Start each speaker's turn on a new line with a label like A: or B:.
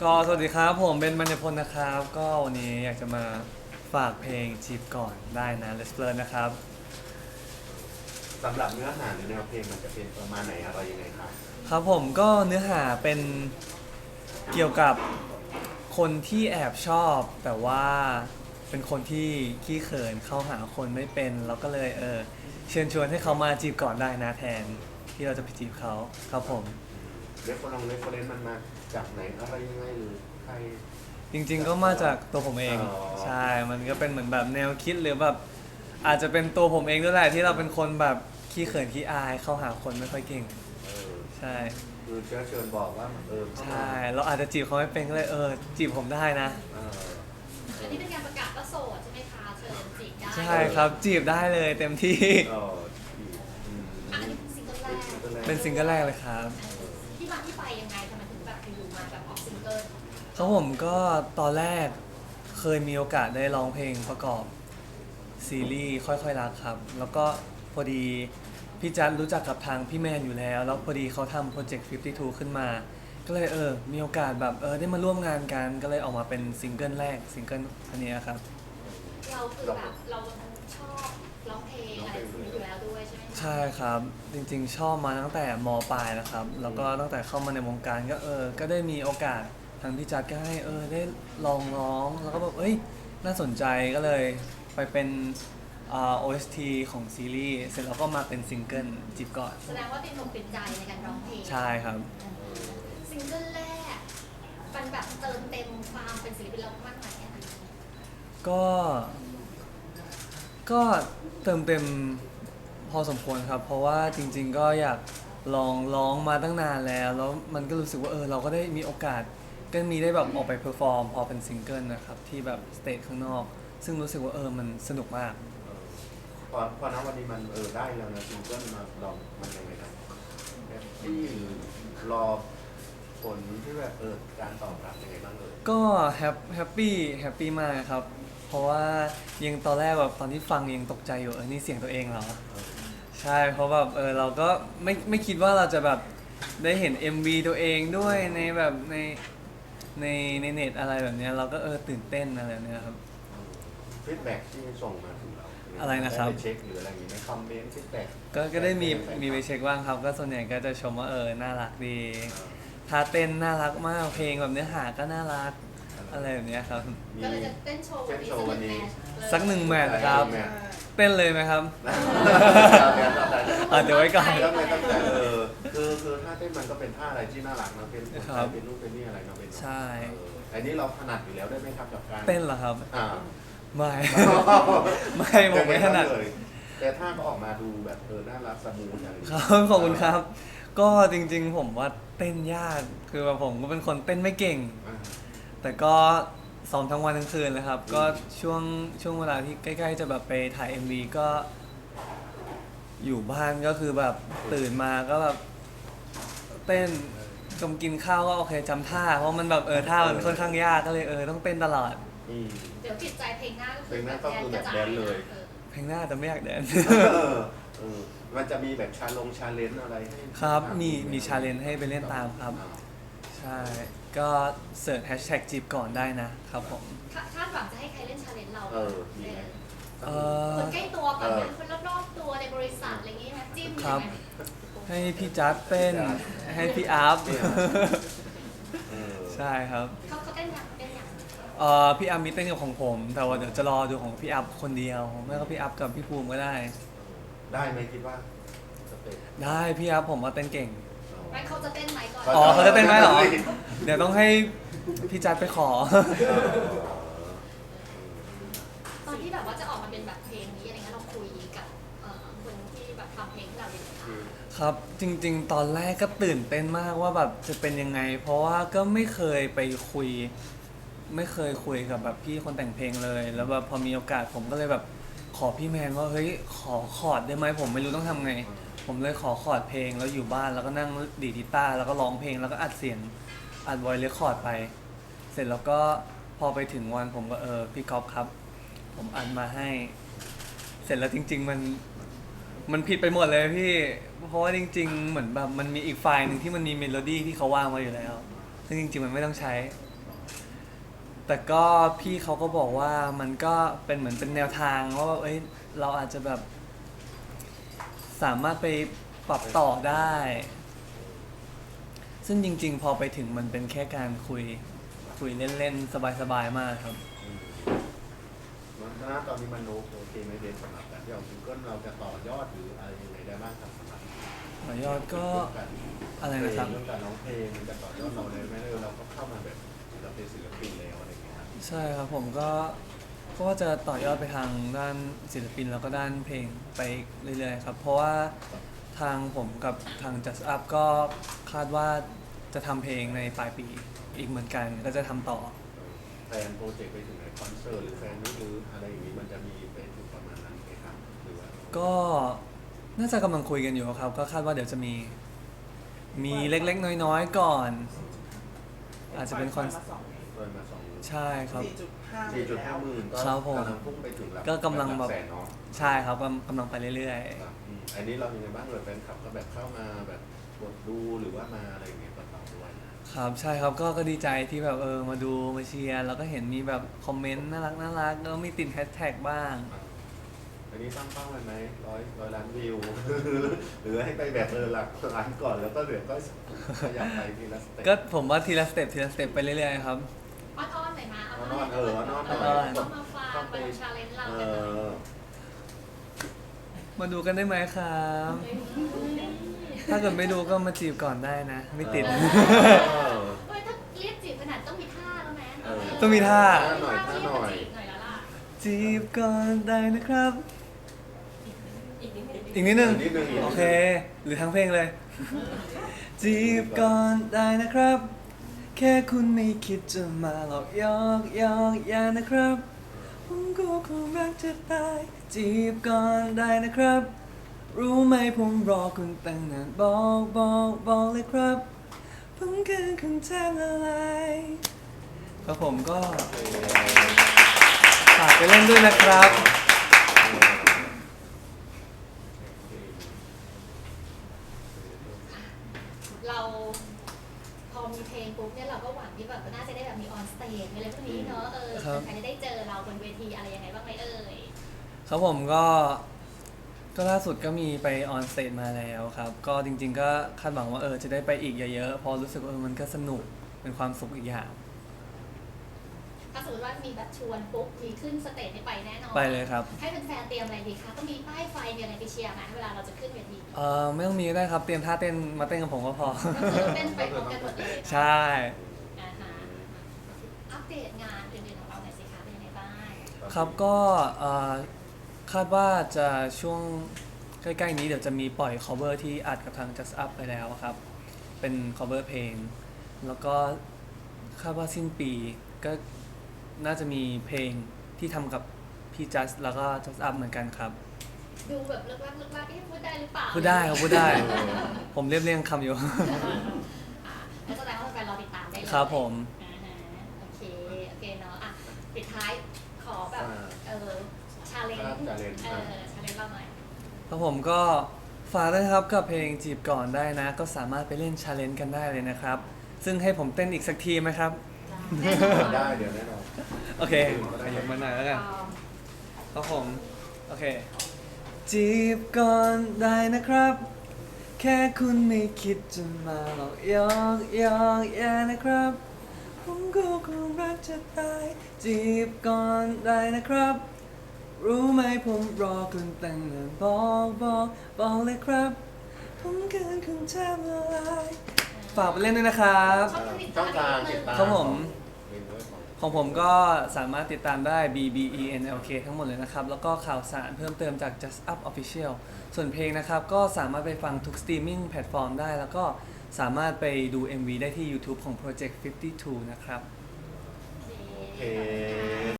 A: ก็สวัสดีครับผมเป็นมัญญพลนะครับก็วันนี้อยากจะมาฝากเพลงจีบก่อนได้นะ Let's Learn นะครับ
B: สำหรับเนื้อหาหรือแนวเพลงมันจะเป็นประมาณไหนอะไรยังไงครับ
A: ครับผมก็เนื้อหาเป็นเกี่ยวกับคนที่แอบชอบแต่ว่าเป็นคนที่ขี้เขินเข้าหาคนไม่เป็นแล้วก็เลยเชิญชวนให้เขามาจีบก่อนได้นะแทนที่เราจะไปจีบเขาครับผม
B: เรฟเฟอเรนซ์มันมาจากไหนอะไรยังไงหรือใคร
A: จริงๆก็มาจากตัวผมเอง
B: อ๋อ
A: ใช่มันก็เป็นเหมือนแบบแนวคิดหรือแบบอาจจะเป็นตัวผมเองด้วยแหละที่เราเป็นคนแบบขี้เขินขี้อายเข้าหาคนไม่ค่อยเก่ง
B: เออ
A: ใช่
B: คือเชื้อเชิญบอกว่าเข้า
A: ใช่
B: มา
A: เราอาจจะจีบเขาไม่เป็นก็เลยจีบผมได้นะ
B: เออ
C: อันนี้เป็นการประกาศว่าโสดใช่ไหมคะเชิญจีบได้
A: ใช่ครับจีบได้เลยเต็มที่
B: เอออืม
C: อันนี้เป็นซิงเกิลแรก
A: เป็นซิงเกิลแรกเลยครับ
C: ที่มาที่ไปยังไงทำไมถึงแบบอยู่ๆมาแบบออกซิงเกิล
A: ครับผมก็ตอนแรกเคยมีโอกาสได้ร้องเพลงประกอบซีรีส์ค่อยๆรักครับแล้วก็พอดีพี่จัดรู้จักกับทางพี่แมนอยู่แล้วพอดีเขาทำโปรเจกต์52ขึ้นมาก็เลยมีโอกาสแบบได้มาร่วมงานกันก็เลยออกมาเป็นซิงเกิลแรกซิงเกิลอันนี้ครับ
C: เราคือแบบเราชอบร้องเพลงอะไรแบบนี้อยู่แล้วด้วยใช่ไหมคะ
A: ใช่ครับจริงๆชอบมาตั้งแต่มปลายนะครับแล้วก็ตั้งแต่เข้ามาในวงการก็ก็ได้มีโอกาสทางพี่จัดก็ให้ได้ลองร้องแล้วก็แบบน่าสนใจก็เลยไปเป็นOST ของซีรีส์เสร็จแล้วก็มาเป็นซิงเกิลจีบก่อน
C: แสดงว่าเป็นหนุ่มเป็นใจในการร้องเพลง
A: ใช่ครับ
C: ซิงเกิลแรกมันแบบเติมเต็มความเป็นศิลปินเรามากไหมอะ
A: ก็ก็เติมเต็มพอสมควรครับเพราะว่าจริงๆก็อยากลองร้องมาตั้งนานแล้วมันก็รู้สึกว่าเราก็ได้มีโอกาสก็มีได้แบบออกไปเพอร์ฟอร์มพอเป็นซิงเกิลนะครับที่แบบสเตจข้างนอกซึ่งรู้สึกว่ามันสนุกมาก
B: พอณวันนี้มันได้แล้วนะซิงเกิลมาลองมันยังไงครับแบบที่รอผลที่แบบการตอบรับยังไงบ้าง
A: ก็แฮปปี้มากครับเพราะว่ายังตอนแรกแบบตอนที่ฟังยังตกใจอยู่นี่เสียงตัวเองเหรอใช่เพราะแบบเราก็ไม่คิดว่าเราจะแบบได้เห็น MV ตัวเองด้วยในแบบในเน็ตอะไรแบบเนี้ยเราก็ตื่นเต้นอะไรแบบเนี้ยครับ
B: ฟีดแบ็กที่ส่งมาถึงเรา
A: อะไรนะครับ
B: ไปเช็คหรืออะไรอย่างงี้ไหมคอมเมนต์ฟีดแบ็ก
A: ก็ได้มีไปเช็คบ้างครับก็ส่วนใหญ่ก็จะชมว่าน่ารักดีท่าเต้นน่ารักมากเพลงแบบเนื้อหาก็น่ารักอะไรแบบเนี้ยครับ
C: ก็เลยจะเต้นโชว์วันนี้
A: สักหนึ่งแมทครับเต้นเลยไหมครับเดี๋ยวไว้ก่อน
B: ตั้งแต่คือท่าเต้นมันก็เป็นท่าอะไรที่น่ารักนะเป็นเป็นรูปเป็นนี่อะไรเนาะเป็น
A: ใช่
B: อันนี้เราถนัดอยู่แล้วได้ไหมครับกับการ
A: เต้นเหรอครับไม่ ผมไม่ถนัด
B: เลยแต่ท่าก็ออกมาดูแบบน่ารักสมูทอะไร
A: ครับขอบคุณครับก็จริงๆผมว่าเต้นยากคือแบบผมก็เป็นคนเต้นไม่เก่งแต่ก็ซ้อมทั้งวันทั้งคืนเลยครับก็ช่วงเวลาที่ใกล้ๆจะแบบไปถ่าย MV ก็อยู่บ้านก็คือแบบตื่นมาก็แบบเต้นกินข้าวก็โอเคจำท่าเพราะมันแบบท่ามันค่อนข้างยากก็เลยต้องเต้นตลอด
C: เดี๋ยวติดใจเพลงหน้าก็คือ
B: แบบแดนเลย
A: เพลงหน้าแต่ไม่อยากแดน
B: มันจะมีแบบชาเลนจ์อะไร
A: ครับมีชาเลนจ์ให้ไปเล่นตามครับใช่ก็เสิร์ชแฮชแท็กจีบก่อนได้นะครับผม
C: คาดหวังจะให้ใครเล่นชาเลนจ์เราคนใกล้ตัวก่อนไหมคนรอบๆตัวในบริษัทอะไรอย่างงี้ไหมจิ้ม
A: ครับให้พี่จัดเต้นให้พี่อัพใช่ครับ
C: เขาเต้นอย่าง
A: พี่อัพมีเต้นกับของผมแต่ว่าเดี๋ยวจะรอดูของพี่อัพคนเดียวไม่ก็พี่อัพกับพี่ภูมิก็ได้
B: ไหมคิดว่า
A: ได้พี่อัพผมว่าเต้นเก่ง
C: ไม่เขาจะเต้นไหมก่อน
A: เขาจะเต้นไหมเหรอเดี๋ยวต้องให้พี่จัดไปขอ
C: ตอนที่แบบว่าจะออกมาเป็นแบบเพลงนี้อะไรเงี้ยเราคุยกับคนที่แบบทำเพลงเราอยู่
A: ครับจริงๆตอนแรกก็ตื่นเต้นมากว่าแบบจะเป็นยังไงเพราะว่าก็ไม่เคยไปคุยไม่เคยคุยกับแบบพี่คนแต่งเพลงเลยแล้วแบบพอมีโอกาสผมก็เลยแบบขอพี่แมนว่าเฮ้ยขอคอร์ดได้ไหมผมไม่รู้ต้องทำไงผมเลยขอคอร์ดเพลงแล้วอยู่บ้านแล้วก็นั่งดีดกีตาร์แล้วก็ร้องเพลงแล้วก็อัดเสียงอัดไวเลคคอร์ดไปเสร็จแล้วก็พอไปถึงวันผมก็พี่ก๊อฟครับผมอัดมาให้เสร็จแล้วจริงๆมันผิดไปหมดเลยพี่เพราะว่าจริงๆเหมือนแบบมันมีอีกไฟล์หนึ่งที่มันมีเมโลดี้ที่เขาวางมาอยู่แล้วซึ่งจริงๆมันไม่ต้องใช้แต่ก็พี่เขาก็บอกว่ามันก็เป็นเหมือนเป็นแนวทางว่าแบบเราอาจจะแบบสามารถไปปรับต่อได้ ซึ่งจริงๆ พอไปถึงมันเป็นแค่การคุยเล่นๆ สบายๆ มากครับ
B: มันณตอนนี้มันโอเคไหมเดนสำหรับการที่เอาซิงเกิลเราจะต่อยอดหรืออะไรยังไงได้บ้างครับสำหรับ
A: ต่อยอดก็อะไรนะครับ
B: เรื่องการร้องเพลงมันจะต่อยอดเราเลยไหมเราก็เข้ามาแบบเราเป็นศิลปินแล้วอะไรอย่างเงี้ยครับ
A: ใช่ครับผมก็ว่าจะต่อยอดไปทางด้านศิลปินแล้วก็ด้านเพลงไปเรื่อยๆครับ เพราะว่าทางผมกับทาง Just Up ก็คาดว่าจะทำเพลงในปลายปีอีกเหมือนกันก็จะทำต่อ
B: แฟนโปรเจกต์ไปถึงไหนคอนเสิร์ตหรือแฟนนี้หรืออะไรอย่างนี้มันจะมีไปถึงประมาณนั้นไหมครับหรือว่า
A: ก็น่าจะกำลังคุยกันอยู่ครับ ก็คาดว่าเดี๋ยวจะมีเล็กๆ น้อยๆ ก่อน อาจจะเป็นคอน
B: เปิดมา2
A: ใช่ครับ
B: 4.5 หมื่นก็
A: ครับผม
B: กำลังพุ่งไปถึงหลัก
A: ก็กำลังแบบ
B: แสนเนาะ
A: ใช่ครับกำลังไปเรื่อย
B: ครับอันนี้เรายังไงบ้างเลยแฟนคลับก็แบบเข้ามาแบบกดดูหรือว่ามาอะไรอย่างเงี้ยกับเราด้วยนะ
A: ๆ ครับใช่ครับก็ดีใจที่แบบมาดูมาเชียร์แล้วก็เห็นมีแบบคอมเมนต์น่ารักแล้วมีติดแฮชแท็กบ้าง
B: อันนี้ตั้งเป้าไว้ไหมร้อยล้านวิว หรือให้ไปแบบหลักล้านก่อนแล้วก็เดี๋ยวก็ขยับไปทีละสเต็ป
A: ก็ผมว่าทีละสเต็ปไปเรื่อยๆครับ
C: อ้อนๆหน่อยมา
B: อ้อนๆอ้อนๆหน่อย
C: เข้ามาฟังมาดูชาเลนจ์เรา
B: เอ
C: กันหน่อย
B: อ
A: มาดูกันได้ไหมครับ ถ้าเกิดไม่ดูก็มาจีบก่อนได้นะ ไม่ติด
B: เออ
C: เฮ้ยถ้าเรียกจีบขนาดต้องมีท่าแล้วไหม
A: ต้องมีท่า
B: หน่อยท่าหน่อย
C: จีบหน่อยแล้วล่ะ
A: จีบก่อนได้นะครับ
C: อีกนิดนึง
A: อีกนิดนึง
B: นิดนึง
A: โอเค หรือทั้งเพลงเลย จีบก่อนได้นะครับ แค่คุณไม่คิดจะมาหลอกยอกอย่านะครับ ผมก็คงรักจะตาย จีบก่อนได้นะครับ รู้ไหมผมรอคุณตั้งนานบอกเลยครับ ผมคือคุณแทบละลายครับผมก็ฝากไปเล่นด้วยนะครับ
C: เราพอมีเพลงปุ๊บเนี่ยเราก็หวังที่แบบน่าจะได้แบบมีออนสเตจอะไรพวกนี้เนอะ
A: ครับ
C: ใครจะได้เจอเราบนเวทีอะไรยังไงบ้างไหมเอ่ย
A: ครับผมก็ล่าสุดก็มีไปออนสเตจมาแล้วครับ ก็จริงๆก็คาดหวังว่าจะได้ไปอีกเยอะๆเพอรู้สึกว่ามันก็สนุกเป็นความสุขอีกอย่าง
C: ถ้าสมมติว่ามีแบบชวนปุ๊บมีขึ้นสเตจนี่ไปแน่นอน
A: ไปเลยครับ
C: ให้แฟนๆเตรียมอะไรดีคะต้องมีป้ายไฟมีอะไรไปเชียร์ไหมเวลาเราจะขึ้นเวที
A: ไม่ต้องมีก็ได้ครับ เตรียมท่าเต้นมาเต้นกับผมก็พอ
C: ก็คือเต้นไปพร้อมกันหมดเลย
A: ใช่
C: อ่าฮะอัปเดตงานอื่นๆของเราหน่อยสิคะเป็นยังไงบ้าง
A: ครับก็คาดว่าจะช่วงใกล้ๆนี้เดี๋ยวจะมีปล่อย cover ที่อัดกับทาง Just Up ไปแล้วครับ เป็น cover เพลง แล้วก็คาดว่าสิ้นปีก็น่าจะมีเพลงที่ทำกับพี่ Just แล้วก็ Just Up เหมือนกันครับ
C: ดูแบบลึกลับพูดได้หรือเปล่า
A: พูดได้ครับพูดได้ ผมเรียบเรียงคำอยู่
C: อ่าแล้วแสดงว่าแฟนๆรอติดตามได้เลย
A: ครับผม
C: อ่าฮะโอเคเนาะอ่ะปิดท้ายขอแบบชาเลนจ์ชาเลนจ์เราหน่อย
A: ครับผมก็ฝากด้วยนะครับกับเพลงจีบก่อนได้นะ ก็สามารถไปเล่นชาเลนจ์กันได้เลยนะครับ ซึ่งให้ผมเต้นอีกสักทีไหมครับ
C: แน่นอน
B: ได้เดี๋ยวแน่นอน
A: โอเคยกมาหน่อยแล้วกันครับผม โอเค จีบก่อนได้นะครับ แค่คุณไม่คิดจะมาหลอกยอกอย่านะครับ ผมก็คงรักจะตาย จีบก่อนได้นะครับ รู้ไหมผมรอคุณตั้งนานบอกเลยครับ ผมเกินคุณแทบละลายฝากไปเล่นด้วยนะครับ
B: ช่องทางติดตาม
A: ครับผม
B: เพลงด้วยของ
A: ของผมก็สามารถติดตามได้ BBENLK ทั้งหมดเลยนะครับ แล้วก็ข่าวสารเพิ่มเติมจาก Just Up Official ส่วนเพลงนะครับ ก็สามารถไปฟังทุกสตรีมมิ่งแพลตฟอร์มได้ แล้วก็สามารถไปดู MV ได้ที่ YouTube ของ Project 52 นะครับ
B: โอเค